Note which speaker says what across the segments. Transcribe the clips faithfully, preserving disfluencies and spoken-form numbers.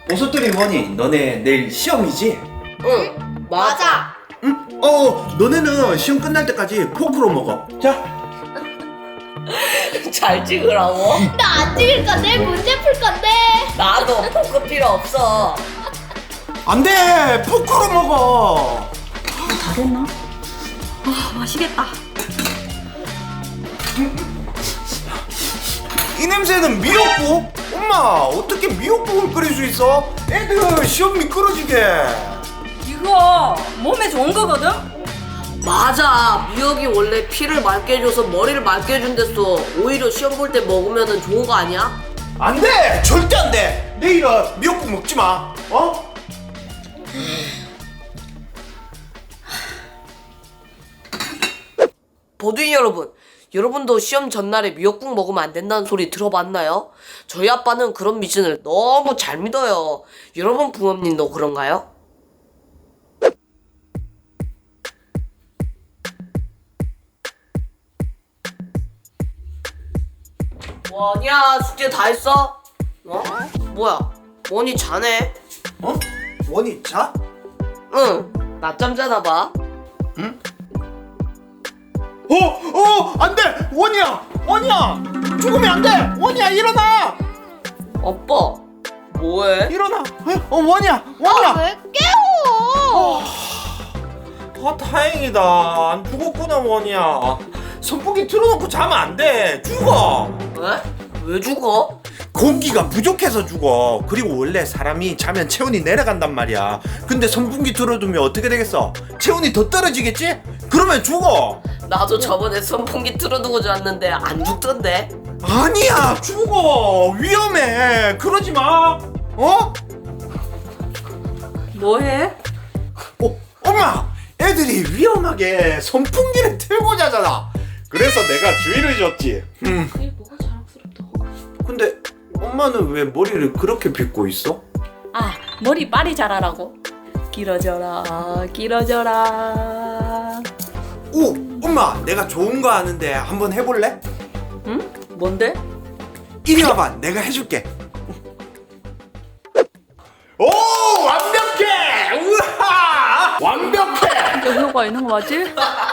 Speaker 1: 보석돌이 뭐니? 너네 내일 시험이지?
Speaker 2: 응, 맞아.
Speaker 1: 응? 어, 너네는 시험 끝날 때까지 포크로 먹어. 자.
Speaker 2: 잘 찍으라고?
Speaker 3: 나 안 찍을 건데 문제 풀 건데.
Speaker 2: 나도 포크 필요 없어.
Speaker 1: 안 돼! 포크로 먹어!
Speaker 4: 다 됐나? 아, 맛있겠다.
Speaker 1: 이 냄새는 미역국? 엄마, 어떻게 미역국을 끓일 수 있어? 애들 시험 미끄러지게.
Speaker 4: 이거 몸에 좋은 거거든?
Speaker 2: 맞아. 미역이 원래 피를 맑게 해줘서 머리를 맑게 해준댔어. 오히려 시험 볼 때 먹으면 좋은 거 아니야?
Speaker 1: 안 돼! 절대 안 돼! 내일은 미역국 먹지 마. 어?
Speaker 2: 버둥이 여러분, 여러분도 시험 전날에 미역국 먹으면 안 된다는 소리 들어봤나요? 저희 아빠는 그런 미신을 너무 잘 믿어요. 여러분 부모님도 그런가요? 원이야, 숙제 다 했어? 어? 뭐야, 원이 자네?
Speaker 1: 어? 원이 자?
Speaker 2: 응, 낮잠 자나 봐.
Speaker 1: 어! 어! 안 돼! 원이야! 원이야! 죽으면 안 돼! 원이야, 일어나!
Speaker 2: 아빠, 뭐해?
Speaker 1: 일어나! 어, 원이야! 원이야!
Speaker 3: 왜 깨워?
Speaker 1: 아, 다행이다. 안 죽었구나, 원이야. 선풍기 틀어놓고 자면 안 돼. 죽어.
Speaker 2: 왜? 왜 죽어?
Speaker 1: 공기가 부족해서 죽어. 그리고 원래 사람이 자면 체온이 내려간단 말이야. 근데 선풍기 틀어두면 어떻게 되겠어? 체온이 더 떨어지겠지? 그러면 죽어.
Speaker 2: 나도 저번에 선풍기 틀어두고 잤는데 안 죽던데?
Speaker 1: 아니야, 죽어. 위험해. 그러지 마. 어?
Speaker 4: 뭐해?
Speaker 1: 어, 엄마, 애들이 위험하게 선풍기를 틀고 자잖아. 그래서 내가 주의를 줬지. 음.
Speaker 4: 그게 뭐가 자랑스럽다고?
Speaker 1: 근데 엄마는 왜 머리를 그렇게 빗고 있어?
Speaker 4: 아, 머리 빨리 자라라고. 길어져라, 길어져라.
Speaker 1: 오, 엄마, 내가 좋은 거 아는데 한번 해볼래?
Speaker 4: 응? 뭔데?
Speaker 1: 이리 와봐, 내가 해줄게. 오, 완벽해! 우와, 완벽해!
Speaker 4: 이거 효과 있는 거 맞지?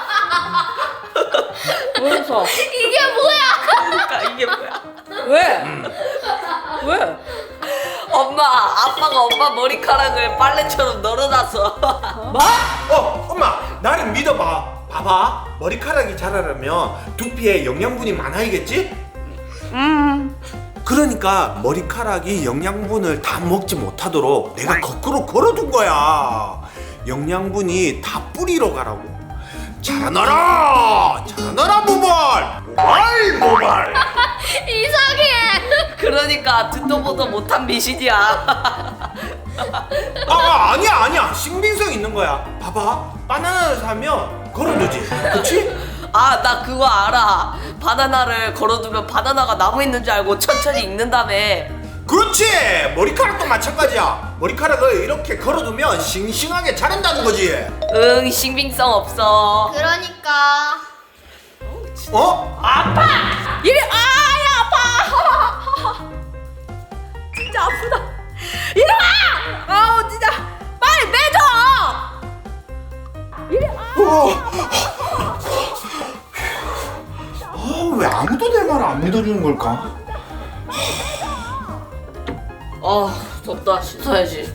Speaker 4: 왜 웃어?
Speaker 3: 이게 뭐야?
Speaker 2: 그러니까 이게 뭐야?
Speaker 4: 왜? 왜?
Speaker 2: 엄마, 아빠가 엄마 머리카락을 빨래처럼 널어놨어.
Speaker 4: 뭐?
Speaker 1: 어, 엄마, 나를 믿어봐. 봐봐, 머리카락이 자라려면 두피에 영양분이 많아야겠지?
Speaker 4: 음.
Speaker 1: 그러니까 머리카락이 영양분을 다 먹지 못하도록 내가 거꾸로 걸어둔 거야. 영양분이 다 뿌리로 가라고. 자라나라! 자라나라 모발! 모발 모발!
Speaker 3: 이상해.
Speaker 2: 그러니까 듣도 보도 못한 미신이야.
Speaker 1: 아, 아니야 아니야, 신빙성 있는 거야. 봐봐, 바나나를 사면 걸어두지, 그치?
Speaker 2: 아, 나 그거 알아. 바나나를 걸어두면 바나나가 나무 있는 줄 알고 천천히 익는다며.
Speaker 1: 그렇지! 머리카락도 마찬가지야. 머리카락을 이렇게 걸어두면 싱싱하게 자란다는 거지.
Speaker 2: 응, 신빙성 없어.
Speaker 3: 그러니까.
Speaker 1: 어?
Speaker 4: 이리 아야 아파. 진짜 아프다. 이리 와. 아우 진짜 빨리 매줘. 이리 와.
Speaker 1: 아, 왜 아무도 내 말을 안 믿어주는 걸까?
Speaker 2: 아, 덥다. 씻어야지.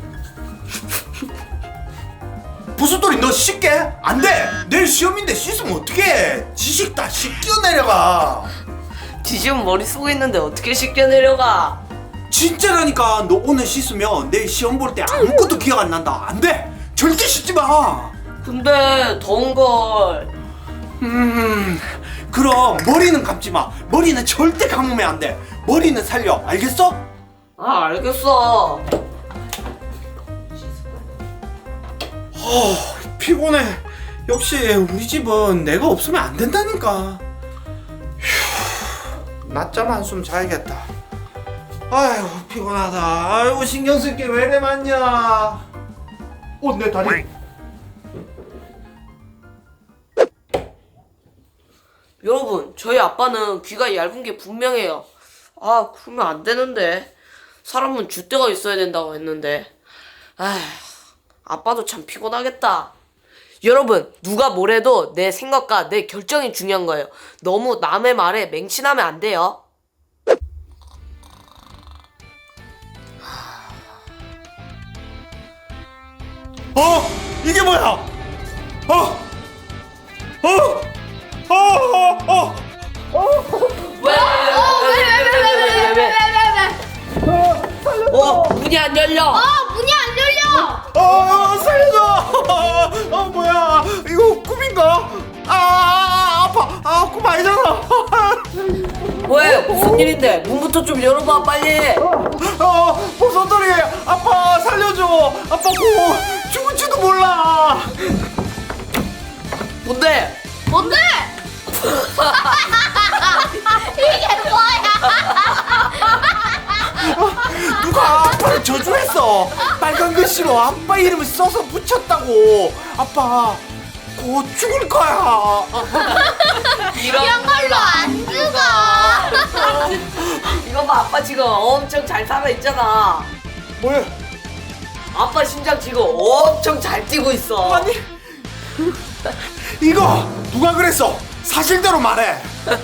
Speaker 1: 부수돌이, 너 씻게? 안 돼! 내일 시험인데 씻으면 어떡해! 지식 다 씻겨 내려가.
Speaker 2: 지금 머리 쓰고 있는데 어떻게 씻겨 내려가?
Speaker 1: 진짜라니까. 너 오늘 씻으면 내일 시험 볼 때 아무것도 기억 안 난다. 안 돼! 절대 씻지 마.
Speaker 2: 근데 더운걸.
Speaker 1: 음, 그럼 머리는 감지 마. 머리는 절대 감으면 안 돼. 머리는 살려. 알겠어?
Speaker 2: 아, 알겠어.
Speaker 1: 어, 피곤해. 역시 우리 집은 내가 없으면 안 된다니까. 휴, 낮잠 한숨 자야겠다. 아이고, 피곤하다. 아이고, 신경 쓸 게 왜 이래 많냐. 어, 내 다리.
Speaker 2: 여러분, 저희 아빠는 귀가 얇은 게 분명해요. 아, 그러면 안 되는데. 사람은 줏대가 있어야 된다고 했는데. 아휴, 아빠도 참 피곤하겠다. 여러분, 누가 뭐래도 내 생각과 내 결정이 중요한 거예요. 너무 남의 말에 맹신하면 안 돼요.
Speaker 1: 어? 이게 뭐야? 어? 어? 어? 어? 어?
Speaker 2: 왜? 왜? 왜? 왜? 왜? 왜? 왜? 어, 문이 안 열려.
Speaker 3: 어, 문이 안 열려.
Speaker 1: 어, 살려줘! 어, 뭐야? 이거 꿈인가? 아, 아파! 아, 꿈 아니잖아!
Speaker 2: 왜? 무슨 일인데? 문부터 좀 열어봐, 빨리.
Speaker 1: 어, 버섯돌이! 아빠, 살려줘! 아빠 꼭 죽을지도 몰라!
Speaker 2: 뭔데?
Speaker 3: 뭔데? 이게 뭐야?
Speaker 1: 누가 아빠를 저주했어! 빨간 글씨로 아빠 이름을 써서 붙였다고! 아빠, 곧 죽을 거야!
Speaker 2: 이런
Speaker 3: 이런 걸로 안 죽어.
Speaker 2: 이거 봐, 아빠 지금 엄청 잘 살아있잖아.
Speaker 1: 뭐야?
Speaker 2: 아빠 심장 지금 엄청 잘 뛰고 있어.
Speaker 1: 아니, 이거 누가 그랬어? 사실대로 말해!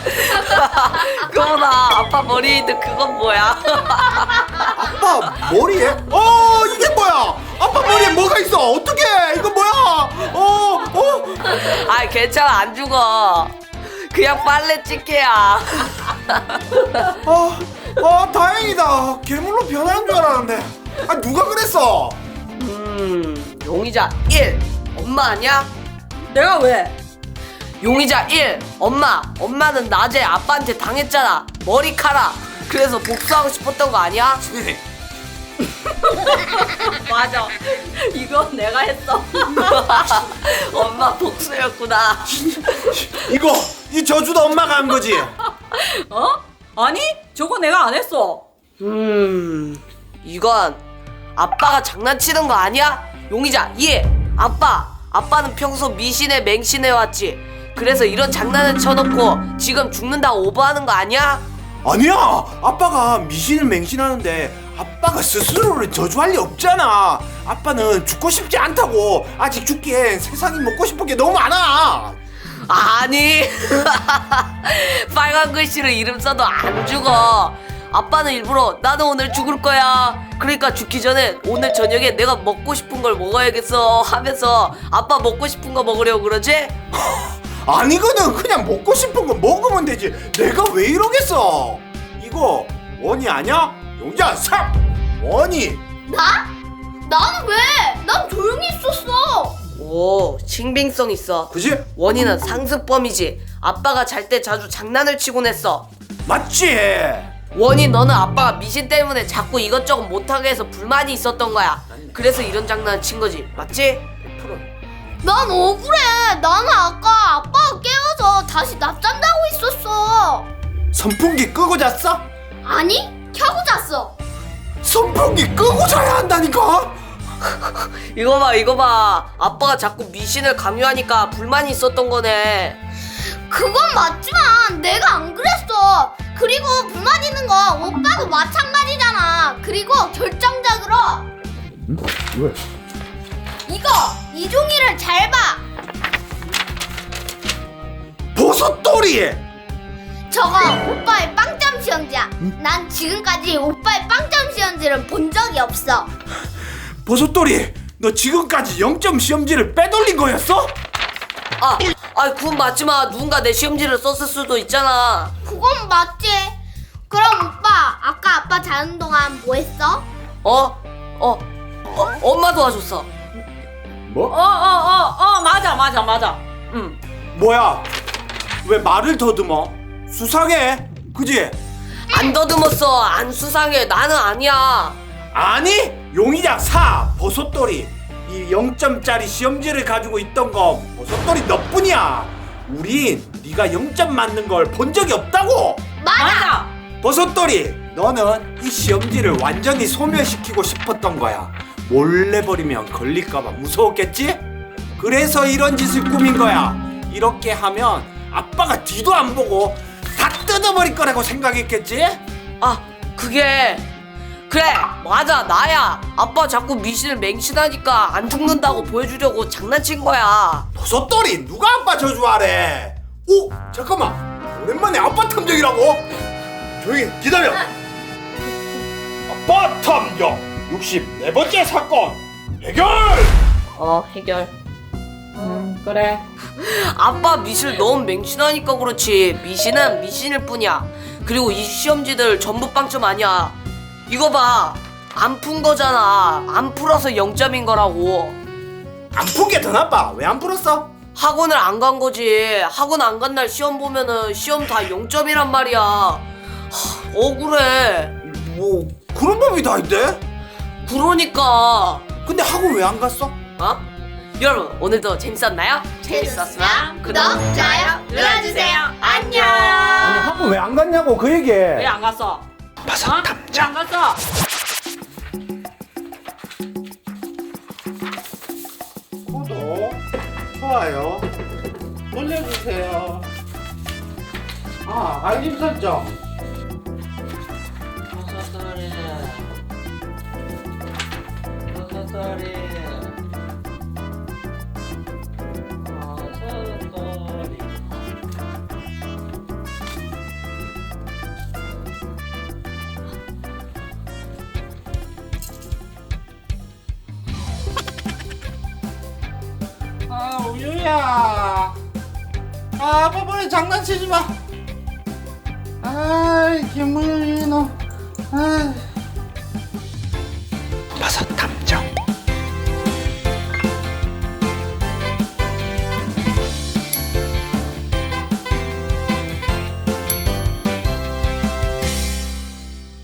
Speaker 2: 그거나 아빠 머리에 있는 그건 뭐야?
Speaker 1: 아빠 머리에? 어, 이게 뭐야? 아빠 머리에 뭐가 있어? 어떡해? 이거 뭐야? 어, 어?
Speaker 2: 아, 괜찮아, 안 죽어. 그냥 빨래 찌개야.
Speaker 1: 어, 어, 다행이다. 괴물로 변하는 줄 알았는데. 아, 누가 그랬어?
Speaker 2: 음, 용의자 일, 엄마 아니야?
Speaker 4: 내가 왜?
Speaker 2: 용의자 일, 엄마. 엄마는 낮에 아빠한테 당했잖아. 머리카락. 그래서 복수하고 싶었던 거 아니야?
Speaker 4: 맞아. 이거 내가 했어.
Speaker 2: 엄마 복수였구나.
Speaker 1: 이거 이 저주도 엄마가 한 거지?
Speaker 4: 어? 아니, 저거 내가 안 했어.
Speaker 2: 음, 이건 아빠가 장난치는 거 아니야? 용의자 이, 아빠. 아빠는 평소 미신에 맹신해 왔지. 그래서 이런 장난을 쳐놓고 지금 죽는다고 오버하는 거 아니야?
Speaker 1: 아니야. 아빠가 미신을 맹신하는데 아빠가 스스로를 저주할 리 없잖아. 아빠는 죽고 싶지 않다고. 아직 죽기엔 세상이 먹고 싶은 게 너무 많아.
Speaker 2: 아니 빨간 글씨로 이름 써도 안 죽어. 아빠는 일부러 나는 오늘 죽을 거야, 그러니까 죽기 전에 오늘 저녁에 내가 먹고 싶은 걸 먹어야겠어 하면서 아빠 먹고 싶은 거 먹으려고 그러지?
Speaker 1: 아니거든. 그냥 먹고 싶은 거 먹으면 되지. 내가 왜 이러겠어. 이거 원이 아니야? 용자 삼 원이.
Speaker 3: 나? 나는 왜? 난 조용히 있었어.
Speaker 2: 오, 신빙성 있어.
Speaker 1: 그지?
Speaker 2: 원인은 상습범이지. 아빠가 잘 때 자주 장난을 치곤 했어.
Speaker 1: 맞지?
Speaker 2: 원이, 너는 아빠가 미신 때문에 자꾸 이것저것 못하게 해서 불만이 있었던 거야. 그래서 이런 장난을 친 거지, 맞지?
Speaker 3: 난 억울해. 나는 아까 아빠가 깨워서 다시 낮잠 자고 있었어.
Speaker 1: 선풍기 끄고 잤어?
Speaker 3: 아니, 켜고 잤어.
Speaker 1: 선풍기 끄고 자야 한다니까?
Speaker 2: 이거 봐, 이거 봐. 아빠가 자꾸 미신을 강요하니까 불만이 있었던 거네.
Speaker 3: 그건 맞지만 내가 안 그랬어. 그리고 불만 있는 거 오빠도 마찬가지잖아. 그리고 결정적으로
Speaker 1: 왜?
Speaker 3: 이거 이 종이를 잘 봐.
Speaker 1: 버섯돌이!
Speaker 3: 저거 오빠의 빵점 시험지야. 난 지금까지 오빠의 빵점 시험지를 본 적이 없어.
Speaker 1: 버섯돌이, 너 지금까지 영 점 시험지를 빼돌린 거였어?
Speaker 2: 아, 아, 그건 맞지만 누군가 내 시험지를 썼을 수도 있잖아.
Speaker 3: 그건 맞지. 그럼 오빠 아까 아빠 자는 동안 뭐 했어?
Speaker 2: 어? 어? 어? 엄마 도와줬어.
Speaker 1: 뭐?
Speaker 4: 어, 어, 어, 어, 맞아, 맞아, 맞아. 응.
Speaker 1: 뭐야? 왜 말을 더듬어? 수상해, 그지?
Speaker 2: 안 더듬었어. 안 수상해. 나는 아니야.
Speaker 1: 아니, 용의자 사 버섯돌이. 이 영 점짜리 시험지를 가지고 있던 거 버섯돌이 너뿐이야. 우린 네가 영 점 맞는 걸 본 적이 없다고.
Speaker 3: 맞아.
Speaker 4: 맞아.
Speaker 1: 버섯돌이, 너는 이 시험지를 완전히 소멸시키고 싶었던 거야. 몰래 버리면 걸릴까봐 무서웠겠지? 그래서 이런 짓을 꾸민 거야. 이렇게 하면 아빠가 뒤도 안 보고 다 뜯어버릴 거라고 생각했겠지?
Speaker 2: 아, 그게 그래 맞아 나야. 아빠 자꾸 미신을 맹신하니까 안 죽는다고 보여주려고 장난친 거야.
Speaker 1: 버섯돌이 누가 아빠 저주하래? 오 잠깐만 오랜만에 아빠 탐정이라고? 조용히 기다려. 아빠 탐정 육십사 번째 사건 해결.
Speaker 2: 어 해결.
Speaker 4: 음 그래.
Speaker 2: 아빠 미신을 너무 맹신하니까 그렇지 미신은 미신일 뿐이야. 그리고 이 시험지들 전부 빵점 아니야. 이거 봐 안 푼 거잖아. 안 풀어서 영 점인 거라고.
Speaker 1: 안 푼 게 더 나빠. 왜 안 풀었어?
Speaker 2: 학원을 안 간 거지. 학원 안 간 날 시험 보면은 시험 다 영 점이란 말이야. 하, 억울해.
Speaker 1: 뭐 그런 법이 다 있대?
Speaker 2: 그러니까.
Speaker 1: 근데 학원 왜 안 갔어?
Speaker 2: 어? 여러분 오늘도 재밌었나요?
Speaker 3: 재밌었으면 구독, 좋아요 눌러주세요. 안녕.
Speaker 1: 아니 학원 왜 안 갔냐고 그 얘기해.
Speaker 4: 왜 안 갔어?
Speaker 1: 버섯
Speaker 4: 어? 왜
Speaker 1: 탐정.
Speaker 4: 안 갔어?
Speaker 1: 구독, 좋아요 눌러주세요. 아 알림 설정.
Speaker 2: 버섯돌이 버섯돌이 버섯돌이
Speaker 1: 아 우유야. 아 아빠 머리 장난치지 마. 아이 김우유 너. 아.